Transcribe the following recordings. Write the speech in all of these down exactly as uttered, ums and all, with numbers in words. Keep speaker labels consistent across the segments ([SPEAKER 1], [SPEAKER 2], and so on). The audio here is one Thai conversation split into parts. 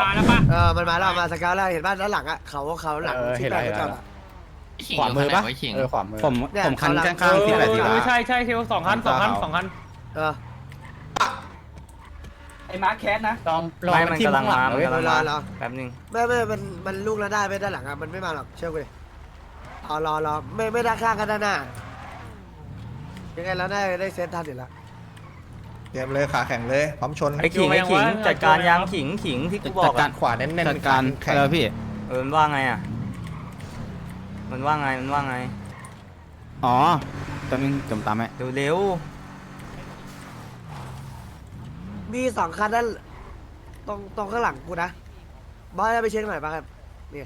[SPEAKER 1] มาแล้วปะ
[SPEAKER 2] เออมันมาแล้วมาสกาวแล้วเห็นบ้านด้านหลังอ่ะเขาเขาหลัง
[SPEAKER 3] เออเห็นแล้วเห็นแล้ว
[SPEAKER 4] ขวามือปะเออขวามือผมผมคันข้างๆที่แบบที่
[SPEAKER 1] เอ
[SPEAKER 4] ว่า
[SPEAKER 1] อใช่ใช่เทลสองคันสองคันสองคัน
[SPEAKER 2] เออ
[SPEAKER 5] ไอ้มาร์คแคสนะ
[SPEAKER 3] ลองลองมันกำลังมา
[SPEAKER 2] เวลาเรา
[SPEAKER 4] แป๊บนึง
[SPEAKER 2] ไม่ไม่มันมันลูกแล้วได้ไม่ด้านหลังอ่ะมันไม่มาหรอกเชื่อกูดิเอารอรอไม่ไม่ด้านข้างกันด้านหน้ายังไงเราได้ได้เซตทันอยู่แล้ว
[SPEAKER 6] เตรียมเลยขาแข็งเลยพร้อมชน
[SPEAKER 4] ไอ้ขิงไอ้ขิงจัดการยางขิงขิงที่กูบอก
[SPEAKER 6] กา
[SPEAKER 4] อะ
[SPEAKER 6] รขวาเน้นๆ
[SPEAKER 3] จัดการ
[SPEAKER 6] แข็ง
[SPEAKER 3] เออพี่
[SPEAKER 4] เออมันว่าไงอะมันว่าไงมันว่าไง
[SPEAKER 3] อ๋อตอนนึงจมตามไหม
[SPEAKER 4] เร็วเร็ว
[SPEAKER 2] มีสองคันด้านตรงตรงข้างหลังกูนะบอสไปเช็คหน่อยป่ะครับนี่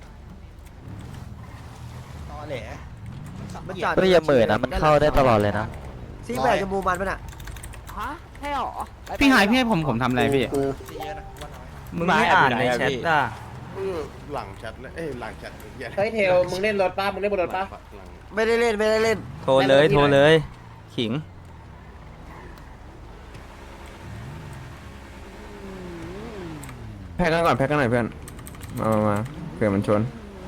[SPEAKER 6] ตอแหล
[SPEAKER 2] มันจอด
[SPEAKER 7] ก็อย่าเหม่อนะมันเข้าได้ตลอดเลยนะ
[SPEAKER 2] ซีแปดจะมูมันป่ะน่ะ
[SPEAKER 5] ฮะใช่หรอ
[SPEAKER 3] พี่หายพี่ให้ผมผมทำอะไรพี่
[SPEAKER 4] มึงไม่อ่านในแชทอ่ะ
[SPEAKER 6] หลังแชทเลยเอ้ยหลังแชทเหี้ย
[SPEAKER 5] เฮ้ยเทลมึงเล่นรถป้ามึงเล่นบนรถป้า
[SPEAKER 2] ไม่ได้เล่นไม่ได้เล่น
[SPEAKER 4] โทรเลยโทรเลยขิง
[SPEAKER 8] แพ็กกันก่อนแพ็กกันหน่อยเพื่อนมามามาเผื่อมันชน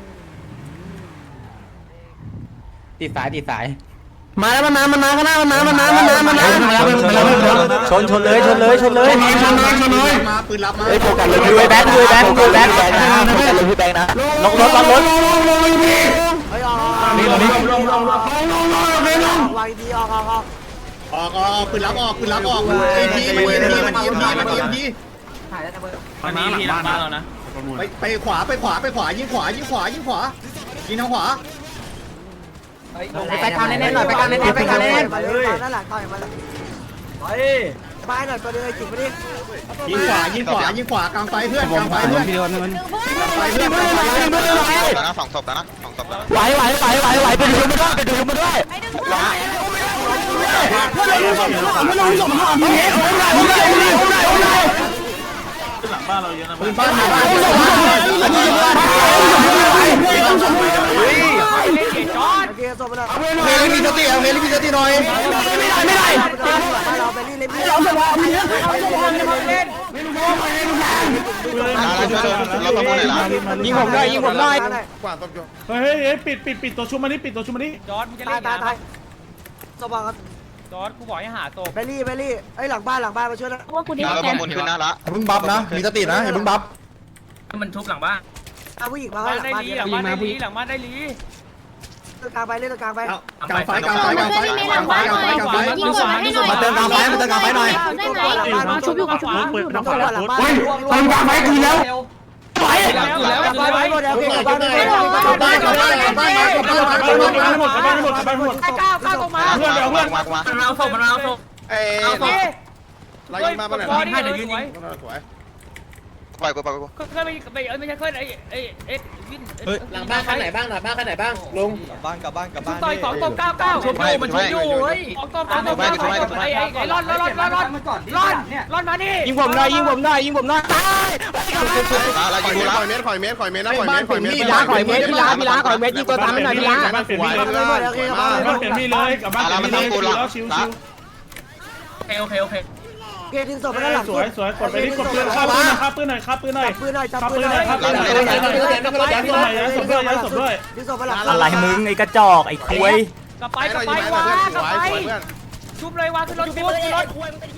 [SPEAKER 3] ติดสายติดสาย
[SPEAKER 8] มาแล้วมันมามันมาข้างหน้ามันมามันมามันมามันมา
[SPEAKER 4] ชนชนเลยชนเลยชนเลย
[SPEAKER 6] มาปืนรับมา
[SPEAKER 7] เฮ้ยโฟกัสเลย
[SPEAKER 4] ดูไอ้แบงค์ดูไอ้แบงค์ดูไอ้แบงค์
[SPEAKER 7] โฟกัสเลยพี่แบงค์นะ
[SPEAKER 4] ล็อกรถล็อกรถ
[SPEAKER 2] เฮ้ยออกออก
[SPEAKER 3] นี่นี่
[SPEAKER 2] ออกวางดีออกออกออก
[SPEAKER 6] ออกออกปืนรับออกปืนรับออกเอ็มพีมันเอ็มพีมันเอ็มพีมันเอ็มพี
[SPEAKER 1] มันมีที่หลังบ้านเรานะ
[SPEAKER 6] ไปไปขวาไปขวาไปขวายิงขวายิงขวายิงขวายิงทางขวา
[SPEAKER 5] ไปกลางเล่นๆหน่อยไปกลางเล่นๆไปกลางเล่น
[SPEAKER 2] มาเลยมาด้านหลังต่อยมาเลยไปหน่อยตัวนึงไอ้จิ๋วมาดิ
[SPEAKER 6] ยิงขวายิงขวายิงขวากลางไฟเพื่อน
[SPEAKER 3] ผ
[SPEAKER 6] ก
[SPEAKER 3] ม
[SPEAKER 6] ลางไฟ
[SPEAKER 3] ผม
[SPEAKER 6] เพื่อน
[SPEAKER 3] พี่โดนมัน
[SPEAKER 6] ไฟเพื่อนกลางไฟเพื่อน
[SPEAKER 9] นะสองศพแล้วนะสองศพแล้ว
[SPEAKER 7] ไหวไหวไหวไหวไหวไปดูมันด้วยไปดูมันด้วย
[SPEAKER 6] ปืนบ้านมาบ้าน
[SPEAKER 1] เล่นเกียร์จอด
[SPEAKER 2] โอเคส่งมาเลย
[SPEAKER 6] เฮลิมีสติเอาเฮลิมีสติหน่อย
[SPEAKER 2] ไม่ได้เราไปนี่เลยพี่เราไปนี่
[SPEAKER 1] เล่น
[SPEAKER 9] เราประมูลไหนละ
[SPEAKER 4] ยิงผมได้ยิงผมได้
[SPEAKER 6] กว่าต้อง
[SPEAKER 1] เฮ้ยเฮ้ยปิดปิดปิดตัวชุบมานี่ปิดตัวชุบมานี่จอดมึงจะ
[SPEAKER 2] ตา
[SPEAKER 1] เล่
[SPEAKER 2] ย
[SPEAKER 1] น
[SPEAKER 2] ตายตายสบองครับ
[SPEAKER 1] จอดกูบอกให้หาศพ
[SPEAKER 2] ไปรี่ไปรี่ไอ้หลังบ้านหลังบ้านมาช่วยนะ
[SPEAKER 9] เราประมูลขึ้นหน้าละ
[SPEAKER 6] อย่าเพิ่งบัฟนะมีสตินะอย่าเพิ่งบัฟ
[SPEAKER 1] มันทุบหลังบ้าน
[SPEAKER 2] เอาผู้หญิงมา
[SPEAKER 1] บ้าน
[SPEAKER 2] หลัง
[SPEAKER 1] ได้
[SPEAKER 2] บ้าน
[SPEAKER 1] ลีหลังบ้านได้ลีหลังบ้านได้ลี
[SPEAKER 2] ตรงกลางไปเล่นตรงกลางไป
[SPEAKER 6] กลางไฟกลางไฟกลางไฟกลางไฟกลางไฟกลางไฟ
[SPEAKER 1] ยิงขวายิงขวา
[SPEAKER 6] มาเติมกลางไฟมาเติมกลางไฟหน่อย
[SPEAKER 1] ชุบอยู่กับขวา
[SPEAKER 2] น้องขวาหลังบ้าน
[SPEAKER 3] ตรงกลางไฟคืนแล้ว
[SPEAKER 2] ไปแล้วแล้วไปไปหมดแล้วเก่งบ้านเลย
[SPEAKER 6] กลับบ้านกลับบ้านกลับบ้านมากลับบ้านมากลับบ้านมา
[SPEAKER 1] หมดบ้านหมดบ้านหมด
[SPEAKER 2] ก้าวก้าวตรงมา
[SPEAKER 9] เพื่อนเดี๋ยวเพื่อนมามา
[SPEAKER 1] มันเอาศพมันเอาศพ
[SPEAKER 6] เอ้ย
[SPEAKER 1] เอาศพ
[SPEAKER 6] เรายิงมาบ้านไหน
[SPEAKER 1] บอดี้เดี๋ยวยืนยิง
[SPEAKER 6] สวย
[SPEAKER 9] ปล่อยกูปล่อยกู
[SPEAKER 1] เคยไปไปเอ้ยไม่ใช่เคยไอ้ไอ้เอ็ดวิน
[SPEAKER 5] หลังบ้านข้างไหนบ้างหลังบ้านข้างไหนบ้างลุง
[SPEAKER 9] บ้านกลับบ้านกลับบ้าน
[SPEAKER 1] ต่อยสองตบเก้าเก้าชุบอยู่มันชุบอยู่เฮ้ยสองตบสองตบเก้าเก้าไอ้ไอ้ไอ้รอดรอดรอดรอดรอดรอดรอดมาดิ
[SPEAKER 4] ยิงผมได้ยิงผมได้ยิงผมได้
[SPEAKER 9] เรายิงกูละ
[SPEAKER 6] ข่อยเมตรข่อยเมตรข่อยเมตรนะข่อยเมตรข่อยเมตร
[SPEAKER 4] พี่ล้าข่อยเม็ดพี่ล้าพี่ล้าข่อยเม็ดยิงตัวตามให้หน่อยพี่ล้า
[SPEAKER 1] บ้านเปลี่ยนมี
[SPEAKER 2] เลยหมดโอเคครับ
[SPEAKER 1] บ้านเปลี่ยนมีเลยกับบ้าน
[SPEAKER 9] เรา
[SPEAKER 1] เปลี่
[SPEAKER 9] มัน
[SPEAKER 1] ยนมี
[SPEAKER 9] ทำกู
[SPEAKER 1] เลย
[SPEAKER 9] ละ
[SPEAKER 1] ชิว
[SPEAKER 9] ละ
[SPEAKER 1] ชิวโอเคโอเคโอเค
[SPEAKER 2] เกทิ้งศพไปด้านหลัง
[SPEAKER 1] สวยสวยกดไปนี่กดปืนข้าปืนหน่อยข้าปืนหน่อยข้าปืนหน่อย
[SPEAKER 2] ปืนหน่อยจับ
[SPEAKER 1] ข้า
[SPEAKER 2] ปื
[SPEAKER 1] ปื
[SPEAKER 2] น
[SPEAKER 1] น
[SPEAKER 2] ห
[SPEAKER 1] ห
[SPEAKER 2] น่
[SPEAKER 1] น่
[SPEAKER 2] อ
[SPEAKER 1] อย ยข้าปืนหน่อยย้ายศพด้วยย้ายศพด้วยย้ายศพด้วย
[SPEAKER 2] ทิ้งศพไปหลัง
[SPEAKER 4] อะไรมึงไอ้กระจอกไอ้ควย
[SPEAKER 1] กลับไปกลับไปวางกลับไปชุบเลยวางขึ้นรถชุบขึ้นรถ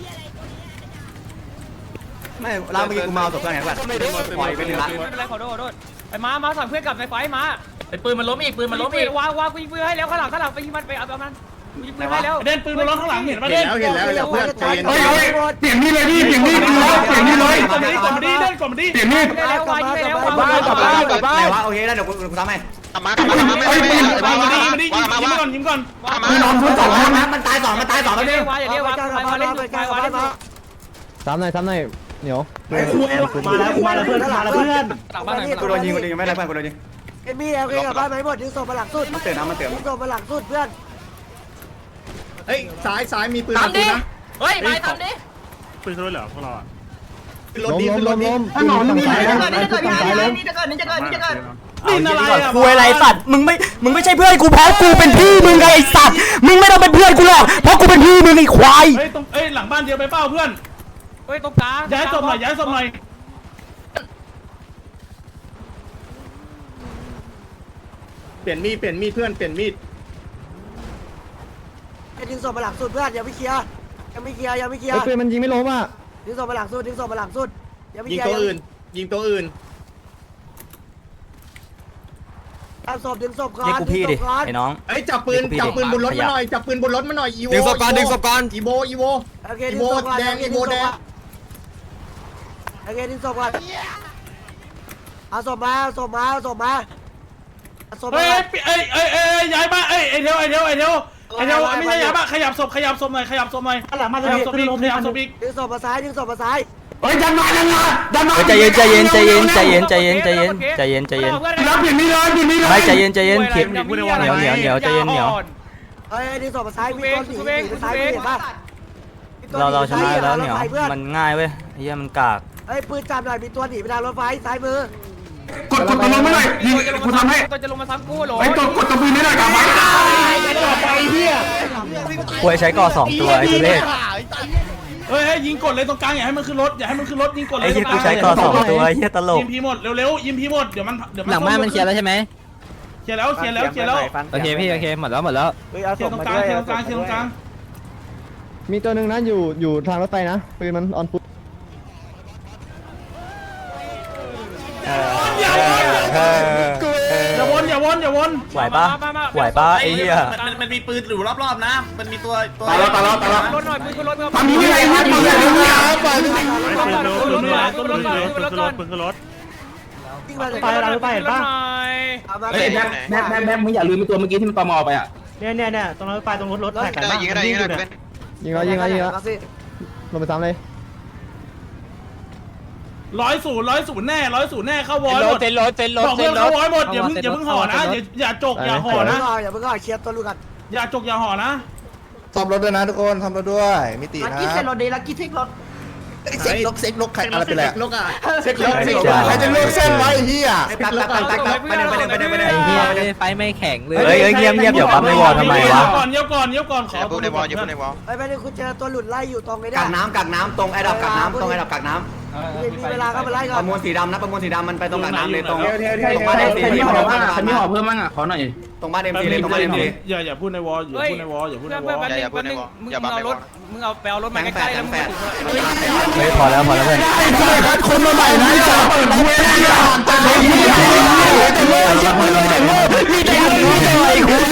[SPEAKER 4] ไม่เราเมื่อกี้กูเมาตกกันไงก่อนปล่อยไปเลยละ
[SPEAKER 1] ไม่เป็นไรขอโทษขอโทษไอ้ม้าม้าสอนเพื่อนกลับในไฟม้าไอ้ปืนมันล้มอีกปืนมันล้มอีกวางวางกูยิงปืนให้แล้วข้างหลังข้างหลังไปยิงมันไปเอาเอามันยิงปืนให้แล้วเด่นปืนมันล้มข้างหลังเห็นป่ะ
[SPEAKER 6] เห็
[SPEAKER 1] เด่
[SPEAKER 6] น
[SPEAKER 1] น
[SPEAKER 6] แล้วเห็นแล้วเพื่อนใจเย็น
[SPEAKER 3] เปลี่ยนนี่เลยพี่เปลี่ยนนี่เลยเปลี่ยนนี่เลย
[SPEAKER 1] กดมาดิกดมาดิเด่นกดมาดิ
[SPEAKER 3] เปลี่ยนนี่
[SPEAKER 1] แล้ววางยิงแล้ววาง
[SPEAKER 4] บ้านกลับบ้านกลับบ้านไหนวะโอเคแล้วเดี๋ยวกูกูทำให้
[SPEAKER 9] กลับมากลับมากลับมาไม่ไม่ไม่
[SPEAKER 1] วางมาดิ
[SPEAKER 9] มา
[SPEAKER 1] มาดิยิง
[SPEAKER 9] มา
[SPEAKER 1] ยิง
[SPEAKER 9] มา
[SPEAKER 1] ก่อนยิงก่อน
[SPEAKER 3] ไม่นอนพื้นสองห้องนะ
[SPEAKER 4] มันตายสองมันตายสอง
[SPEAKER 1] อย่า
[SPEAKER 4] แล้ว
[SPEAKER 1] เรี
[SPEAKER 4] เนี่ย
[SPEAKER 1] กว่าอย่าเรียกว่าไปเล่นไปวางเล่น
[SPEAKER 7] ซ้ำหน่อยซ้ำหน่อยเหนียว
[SPEAKER 3] มาแล้วมาแล้วเพื่อนมาแล้วเพื่อน
[SPEAKER 1] หลังบ้านไหน
[SPEAKER 4] กูโดนยิงกูโดนยิงไม่ได้เพื่อนกูโดนยิง
[SPEAKER 2] เอ็มมี่โอเคกับบ้านไหมหมดทิ้งศพไปหลังสุด
[SPEAKER 4] มันเตือนนะมันเตือน
[SPEAKER 2] ทิ้งศพไปหลังสุดเพื่อน
[SPEAKER 6] เฮ้ยซ้ายซ้ายมีปืนปืนนะ
[SPEAKER 1] เฮ้ยไปทำดิ
[SPEAKER 6] ปืนรถเหรอพวกเราอ่ะรถดีขึ้นรถดี
[SPEAKER 3] ถนนมีไหนนะ
[SPEAKER 5] นี่จะเกิดนี่จะเกิดนี่จะเกิดนี่จะเกิดนี่จะเกิด
[SPEAKER 1] นี่อะไรอ่ะ
[SPEAKER 4] คุยอะไรสัตว์มึงไม่มึงไม่ใช่เพื่อนกูเพราะกูเป็นพี่มึงไงไอ้สัตว์มึงไม่ต้องเป็นเพื่อนกูหรอกเพราะกูเป็นพี่มึงไอ้ควาย
[SPEAKER 1] เฮ้ยตรงเอ้ยหลังบ้านเดียวไปเป้าเพื่อนเฮ้ยตรงกลางย้ายศพหน่อยย้ายศพหน่อย
[SPEAKER 6] ลี่ยนมีดเปลี่ยนมีดเพื่อนเปลี่ยนมีด
[SPEAKER 2] ไอ้ดึงศพมาหลังสุดเพื่อนยังไม่เคลียร์ยังไม่เคลียร์ยังไม่เคลียร์
[SPEAKER 7] ไอ้ปืนมันยิงไม่ล้มอ่ะ
[SPEAKER 2] ดึงศพมาหลังสุดดึงศพมาหลังสุดยังไม่
[SPEAKER 6] ยิ
[SPEAKER 2] เค
[SPEAKER 6] ง
[SPEAKER 2] ลียร์
[SPEAKER 6] ตัวอื่น ยิงตัวอื่น
[SPEAKER 2] ตามศพดึงศพก่อน
[SPEAKER 4] นี่กูพี่ดิไอ้น้อง
[SPEAKER 6] เอ้ยจับปืนจับปืนบนรถมาหน่อยจับปืนบนรถมาหน่อยอีโว
[SPEAKER 8] ดึงศพก่อนดึงศพก่อน
[SPEAKER 6] อีโวอีโว
[SPEAKER 2] โอเค
[SPEAKER 6] อี
[SPEAKER 2] ดึง
[SPEAKER 6] โว
[SPEAKER 2] ศพก่อน
[SPEAKER 6] แดงอีโวแดง
[SPEAKER 2] โอเคดึงศพก่อนเอาศพมาเอาศพมาเอาศพมาเอาศพ
[SPEAKER 1] เฮ้
[SPEAKER 2] มาย
[SPEAKER 1] เอ้ยเอ้ยเอ้ยย้ายบ้านเอ้ยไอเทวไอเทวไอเทวไอเทวไม่ใช่ย้ายบ้านขยับศพขยับศพหน่อยขยับศพหน่อยขยับศพอีกขยับศพอีก
[SPEAKER 2] ดึงศพมาซ้ายดึงศพมาซ้าย
[SPEAKER 8] เฮ้ยดันมาดันมาดันมา
[SPEAKER 4] เฮ้ยใจเย็นใจเย็นใจเย็นใจเย็นใจเย็นใจเย็นใจเย็นใจเย็น
[SPEAKER 8] รับเปลี่ยนมีดเลยเปลี่ยนมีดเลย
[SPEAKER 4] ไม่ใจเย็นใจเย็นเขียนเหนียวเหนียวเหนียวใจเย็นเหนียว
[SPEAKER 2] เฮ้ยดึงศพมาซ้ายมีคนหนีหนีไปซ้ายเห็นปะ
[SPEAKER 4] เราเราชนะแล้วเหนียว
[SPEAKER 2] พื่อ
[SPEAKER 4] มันง่ายเว้ยไอ้เหี้ยมันกาก
[SPEAKER 2] เฮ้ยปืนจับหน่อยมีตัวหนีไปทางรถไฟซ้ายมือก
[SPEAKER 8] ดกดตัวลงไม่หน่อยยิงกูทำให้
[SPEAKER 1] ตัวจะลงมาซ้ำกูหรอ
[SPEAKER 8] ไอ้กดกดตัวปืนไม่หน่อยกลับมา
[SPEAKER 4] ควยใช้ก่อสองตัวไอ้ทุเรศ
[SPEAKER 1] เฮ้ยยิงกดเลยตรงกลางอย่าให้มันขึ้นรถอย่าให้มันขึ้นรถยิงกดเลย
[SPEAKER 4] ไอ้เหี้ยกูใช้ก่อสองตัวไอ้เหี้ยตลก
[SPEAKER 1] ยิงพีหมดเร็วๆยิงพีหมดเดี๋ยวมันเดี๋ยวมัน
[SPEAKER 7] หลังบ้านมันเคลียร์แล้วใช่ไหม
[SPEAKER 1] เคลียร์แล้วเคลียร์แล้วเคลียร์แล้ว
[SPEAKER 7] โอเคพี่โอเคหมดแล้วหมดแล้ว
[SPEAKER 1] เคลียร์ตรงกลางเคลียร์ตรงกลางเคลียร์ตรงกลาง
[SPEAKER 7] มีตัวหนึ่งนะอยู่อยู่ทางรถไฟนะปืนมันออนฟุต
[SPEAKER 1] อย่าวนอย่าวนอย่าวน
[SPEAKER 4] ไหวปะไหวปะไอ้เหี้ย
[SPEAKER 6] มันมันมีปืนอยู่รอบๆนะ มันมีตัวตัว
[SPEAKER 8] ตายแล้วตายแล้วตายแล้ว
[SPEAKER 1] รถหน่อยปืนขึ้นรถ
[SPEAKER 8] มันมีอะไรนะมีอะไรนะ
[SPEAKER 1] รถก่อนรถก่อนรถก่อน
[SPEAKER 2] วิ่งมาจาก
[SPEAKER 1] ไปเราไปเห็นปะ
[SPEAKER 2] เอามา
[SPEAKER 9] เฮ้ย
[SPEAKER 2] เก็บ
[SPEAKER 9] แม่แม่แม่มึงอย่าลืมตัวเมื่อกี้ที่มันตอมอไปอ่ะ
[SPEAKER 1] เนี่ยเนี่ยเนี่ยตรงรถไฟตรงรถรถ
[SPEAKER 9] ได้ยิงก็ได้ยิงก็ได้เป็น
[SPEAKER 7] ยิงแล้วยิงแล้วยิงแล้ว
[SPEAKER 2] มาสิ
[SPEAKER 7] ลงไปซ้ำเลย
[SPEAKER 1] ร้อยศูนย์ร้อยศูนย์แน่ร้อยศูนย์แน่เข้าวอลหมด
[SPEAKER 7] เซ็นรถเซ็นรถ
[SPEAKER 1] บอก
[SPEAKER 7] เซ็
[SPEAKER 1] เพื่อน น
[SPEAKER 7] ร
[SPEAKER 1] เข้า
[SPEAKER 7] ถ
[SPEAKER 1] วอลหมดอย่าเพิ่งอย่าเพิ่งห่อนะอย่าอย่าจกอย่าห่อ
[SPEAKER 2] อย่า
[SPEAKER 1] นะ
[SPEAKER 2] เพิ่งก่อนอย่าเพิ่งก่อนเคลียร์ตัวลูกกัน
[SPEAKER 1] อย่าจกอย่าห่อนะ
[SPEAKER 3] ซ่อมรถด้วยนะทุกคนซ่อมรถด้วยมิตินะ
[SPEAKER 5] ลักกี้เซ็นรถดีลักกี้เทครถ
[SPEAKER 3] เซ็กลกเซ็กลกใครอะไรเป็นไร
[SPEAKER 6] ลูกอ่ะ
[SPEAKER 3] เซ็กลกเซ็กลกใครจะลกเส้นไว้เฮีย
[SPEAKER 5] ตักตักตักตักตักไปหนึ่งไปหนึ่งไปหนึ่งไปหนึ่ง
[SPEAKER 7] ไอ้เหี้ยไฟไม่แข็งเลย
[SPEAKER 4] เฮ้ยเฮ้ยเงียบเงียบเดี๋ยวปั๊มในวอลทำไมวะ
[SPEAKER 1] ก่อนเยี่ยวก่อนเยี่ยวก่อนขอ
[SPEAKER 9] อย่าพูดในวอลอย่าพูดในวอล
[SPEAKER 2] ไอ้แม่นี่คุณเจอตัวหลุดไล่อยู่ตรงไอ้เนี่
[SPEAKER 5] กักน้ำกักน้ำตรงไอ้ดับกักน้ำตรงไอ้ดับกักน้
[SPEAKER 2] มีเวลาก็มาไล่ก่
[SPEAKER 5] ำ
[SPEAKER 2] อ
[SPEAKER 5] ป
[SPEAKER 2] น
[SPEAKER 5] ระมวลสีดำนะประมวลสีดำมันไปตรงกักน้ำเลยตรง
[SPEAKER 6] เทวเทวเทว
[SPEAKER 5] ตรงบ้านเอ็มซี
[SPEAKER 9] ใครมีห่อบ้างใครมีห่อเพิ่มบ้างอ่ะขอหน่อย
[SPEAKER 5] ตรงบ้านเอ็มซีเลยตรงบ้านเอ็มซี
[SPEAKER 1] อย่าอย่าพูดในวอลอย่าพูดในวอลอย่าพูดในวอล
[SPEAKER 9] อย่าอย่าพูดในวอลอย่าบังในวอล
[SPEAKER 1] มึงเอาไปเอารถมาใกล้ๆแล้วมึง
[SPEAKER 4] เฮ้ยพอแล้วพอแล้วเพื่อน
[SPEAKER 8] ไอ้เหี้ยคนมาใหม่นะจ๊ะเปิดคุยนะจ๊ะแต่เฮียแต่เลิกจะเปิดแต่เลิกมีแต่มีแต่ไอ้คุย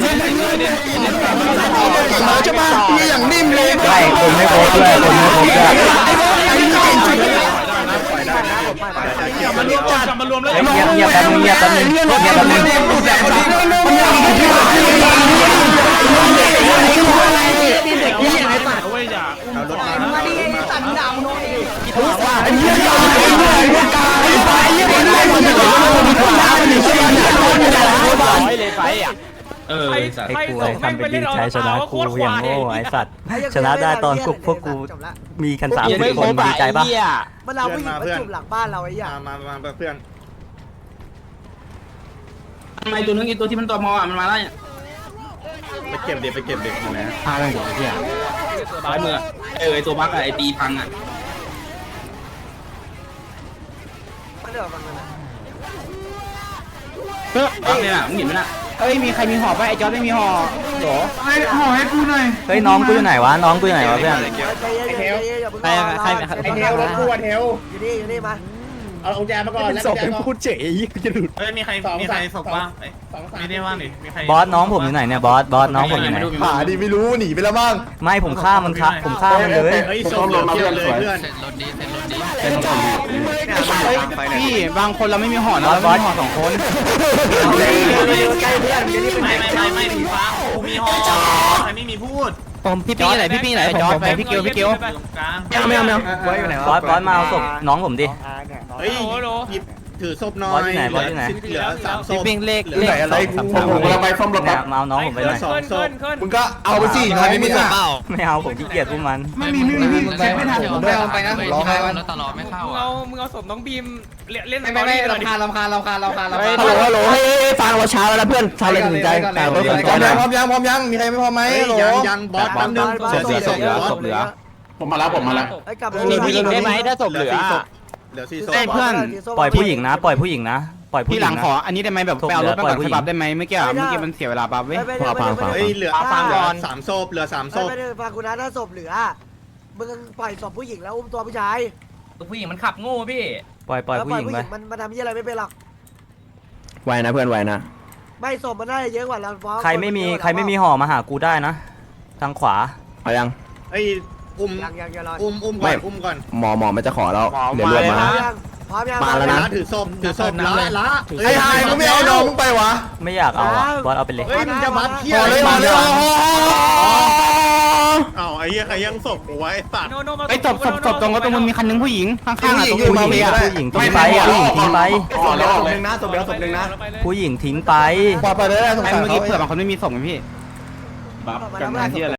[SPEAKER 8] มาจะมามีอย่างนิ่มเลย
[SPEAKER 4] ใช่คนไม่ครบด้วยคนไม่ครบด้วย
[SPEAKER 1] กลับมารวมกลับมารวมแล้ว
[SPEAKER 4] เงียบเงียบแป๊บนึงเงียบแป๊บนึงเงียบแป๊บนึง
[SPEAKER 1] เว้ยอย่า
[SPEAKER 6] เอารถมา
[SPEAKER 5] มาดิสันดาวน้อย
[SPEAKER 8] ไอ้เหี้ยไอ้ไฟยังไม่ได้มันจะคนดาวมันอยู่ใช่ไหม
[SPEAKER 9] เออ
[SPEAKER 1] ใคร
[SPEAKER 4] ไอ้
[SPEAKER 1] ใคร
[SPEAKER 4] กู
[SPEAKER 1] ส่
[SPEAKER 4] ไอ้
[SPEAKER 1] งแม่ง
[SPEAKER 4] ทำ
[SPEAKER 1] ไป
[SPEAKER 4] เป็น
[SPEAKER 1] เล่
[SPEAKER 4] ดิ
[SPEAKER 1] น
[SPEAKER 4] น
[SPEAKER 1] เอา
[SPEAKER 4] ใช้ชนะ
[SPEAKER 1] ว่าโค
[SPEAKER 4] กู
[SPEAKER 1] ตร
[SPEAKER 4] อย่าง
[SPEAKER 1] ควาย
[SPEAKER 4] โง่ไอ้สัตว์ชนะได้ตอนพวกพวกกูมีกันสามสิบคนดีใจปะ
[SPEAKER 2] มันเอาผู้หญิงมาจุ่มหลังบ้านเราไอ้ย่า
[SPEAKER 6] มามามาเพื่อน
[SPEAKER 9] ทำไมตัวนึงไอตัวที่มันตอมออ่ะมันมาแล้ว
[SPEAKER 6] ไปเก็บเด็กไปเก็บเด็กนะ
[SPEAKER 9] อะไรของเฮียซ้ายมือเออไอตัวบั๊กอะไอตีพังอ่ะ
[SPEAKER 2] มันเดือดมันนะ
[SPEAKER 9] เฮ้ยบั๊กเนี่ยมึงเห็นไหมน่ะ
[SPEAKER 7] เอ้ยมีใครมีห่อป่ะไอ้จอร์ดไม่มีห่อหรอ
[SPEAKER 8] ไอ้ห่อให้กูหน่อย
[SPEAKER 4] เฮ้ยน้องกูอยู่ไหนวะน้องกูอยู่ไหนวะเพื่อน
[SPEAKER 2] ใจเย็นใจเย็นอย่าเพิ่ง
[SPEAKER 5] ไอ้เทวรถกูเทว
[SPEAKER 2] อยู่นี่อยู่นี่มา
[SPEAKER 6] เอากุญแจมาก่อนแล้ว
[SPEAKER 7] ศ
[SPEAKER 6] กุ
[SPEAKER 7] พ
[SPEAKER 6] ญแจ
[SPEAKER 7] เป็น
[SPEAKER 6] ก่อน
[SPEAKER 7] พูดเจ๋ยจะหลุด
[SPEAKER 1] เฮ้ยมีใครมีใครส่งบ้างไม่ได้ว่างดิมีใคร
[SPEAKER 4] บอสน้องผมอยู่ไหนเนี่ยบอสบอสน้องผมอยู่ไหน
[SPEAKER 3] หาดิไม่รู้หนีไปแล้วบ้าง
[SPEAKER 4] ไม่ผมฆ่ามันครับผมฆ่ามันเลย
[SPEAKER 6] เฮ้ยส่งมาเพื่อนเลยเพื่อน
[SPEAKER 7] พี่บางคนเราไม่มีห่อบ
[SPEAKER 4] อสบอสห่อสองคน
[SPEAKER 2] ใกล้เพื่อนจะรีบไป
[SPEAKER 1] ไม่ไม่ไม่ไม่ผีฟ้ากูมีหอใครไม่มีพูด
[SPEAKER 7] ผมพี่ปิ๊งไหนพี่ปิ๊งไหนจอร์ดไปพี่เกียวพี่เกียว
[SPEAKER 1] ตรงกลาง
[SPEAKER 7] ไม่เอาไม่เอา
[SPEAKER 5] ไว้อยู่ไหน
[SPEAKER 4] บอสบอสมาเอาศพน้องผมดิ
[SPEAKER 6] เฮ้ยหยิบถือศพหน่อย
[SPEAKER 4] บอสอยู่ไหนบอสอยู่ไหน
[SPEAKER 6] เหลือสามศ
[SPEAKER 7] พี่
[SPEAKER 6] พ
[SPEAKER 7] ปิ๊งเลข
[SPEAKER 3] ไหนอะไรผมผมกำลังไปซ่อมรถ
[SPEAKER 4] เนี่
[SPEAKER 3] แป๊
[SPEAKER 4] ย
[SPEAKER 3] บ
[SPEAKER 4] มาเอาน้องผมไปหน่อย
[SPEAKER 1] ขึ้นขึ้นขึ้น
[SPEAKER 3] มึงก็เอาไปสิใครไม่มีอ่ะ
[SPEAKER 4] ไม่เอาผมขี้เกียจพวกมัน
[SPEAKER 8] ไม่มีไม่มีเช็คไม่ทัน
[SPEAKER 3] ผมไม่เอาไปนะรอให้มัน
[SPEAKER 1] มึงเอามึงเอาศพน้องบีมเล่น
[SPEAKER 5] ไม่ไม่ไม่ลำคาญลำคาญลำคาญลำคาญลำคาญ
[SPEAKER 7] ฮัลโหลฮัลโหลเฮ้ยฟังเราช้าแล้วเพื่อนชาวเลยถึงใจ
[SPEAKER 3] พร้อมยังพร้อมยังพร้อมยังมีใครไม่พร้อมไหม
[SPEAKER 6] เฮ้ย
[SPEAKER 3] โหล
[SPEAKER 6] ยังยังบอสแป๊บนึงศพสี่ศพบอส
[SPEAKER 3] ผมมาแล้วผมมาแล้ว
[SPEAKER 2] ไอ้กลับ
[SPEAKER 7] มีผู้หญิงได้ไหมถ้าศพเหลือ
[SPEAKER 6] เหลือสี่โซ
[SPEAKER 3] เอ้ยเพื่อน
[SPEAKER 4] ปล่อยผู้หญิงนะ ปล่อยผู้หญิงนะปล่อยผู้ห
[SPEAKER 3] พี่
[SPEAKER 4] ญิ
[SPEAKER 3] หลั
[SPEAKER 4] ง
[SPEAKER 3] ง
[SPEAKER 4] นะ
[SPEAKER 3] ขออันนี้ได้ไหมแบบไปเอารถมาก่อนค่อยบัฟได้ไหมเมื่อกี้เมื่อกี้มันเสียเวลาบัฟเว้ย
[SPEAKER 2] ไม่ไม่ไม่ไม่
[SPEAKER 6] เฮ้ยเหลือ
[SPEAKER 2] ฟังก่อน
[SPEAKER 6] สามโซบเหลือสามโซบ
[SPEAKER 2] ไม่ได้ฟังกูนะถ้าศพเหลือมึงปล่อยศพผู้หญิงแล้วอุ้มตัวผู้ชาย
[SPEAKER 1] ผู้หญิงมันขับโง่พี่
[SPEAKER 4] ปล่อยปล่อยผู้หญิงไป
[SPEAKER 2] มันมันทำยี่อะไรไม่เป็นหรอก
[SPEAKER 7] ไวนะเพื่อนไวนะ
[SPEAKER 2] ไม่ศพมันได้เยอะกว่าเราเพราะ
[SPEAKER 4] ใครไม่มีใครไม่มีห่อมาหากูได้นะ ทางขวา
[SPEAKER 7] เอายัง
[SPEAKER 6] เฮ้ยอุ้ม
[SPEAKER 2] ยังยังยังรอ
[SPEAKER 6] อุ้มอุ้มก่อนอุ้มก่อน
[SPEAKER 7] หมอหมอมันจะขอแล้วเดี๋ยวรวม
[SPEAKER 2] พร้อ
[SPEAKER 7] มา
[SPEAKER 2] มยังพร้อมยัง
[SPEAKER 7] มาแล้วนะ
[SPEAKER 6] ละถือศพถือศพละละ
[SPEAKER 8] ไอ้หายมึงไม่เอาน้องมึงไปวะ
[SPEAKER 4] ไม่อยากเอาอ่ะบอสเอาไปเลย
[SPEAKER 6] เฮ้ยมึงจะบัฟเพี้ย
[SPEAKER 8] พอเลยพอเลย
[SPEAKER 6] อ้าวไอ้เหี้ยใครยังศพกูไว้สัตว์
[SPEAKER 1] โนโนมา
[SPEAKER 3] ไอ้ยศพศพศพตรงรถตรงมันมีคันนึงผู้หญิงข้างๆอ่ะตรง
[SPEAKER 4] ผู้
[SPEAKER 3] ผู้
[SPEAKER 4] ห
[SPEAKER 3] ห
[SPEAKER 4] ญิ
[SPEAKER 3] ญิ
[SPEAKER 4] ง
[SPEAKER 3] ง
[SPEAKER 4] ผู้หญิงทิ้งไปอ่ะผู้หญิงทิ้งไป
[SPEAKER 5] ศพเดียวศพหนึ่งนะศพเดียวศพหนึ่งนะ
[SPEAKER 4] ผู้หญิงทิ้งไป
[SPEAKER 8] ปล่อยไปเลยสง
[SPEAKER 3] ไอ้
[SPEAKER 8] สาร
[SPEAKER 3] เมื่อกี้
[SPEAKER 8] เขา
[SPEAKER 3] เผื่อบางคนไม่มีส่งไงพี่
[SPEAKER 2] บัฟกันนะที่อะไร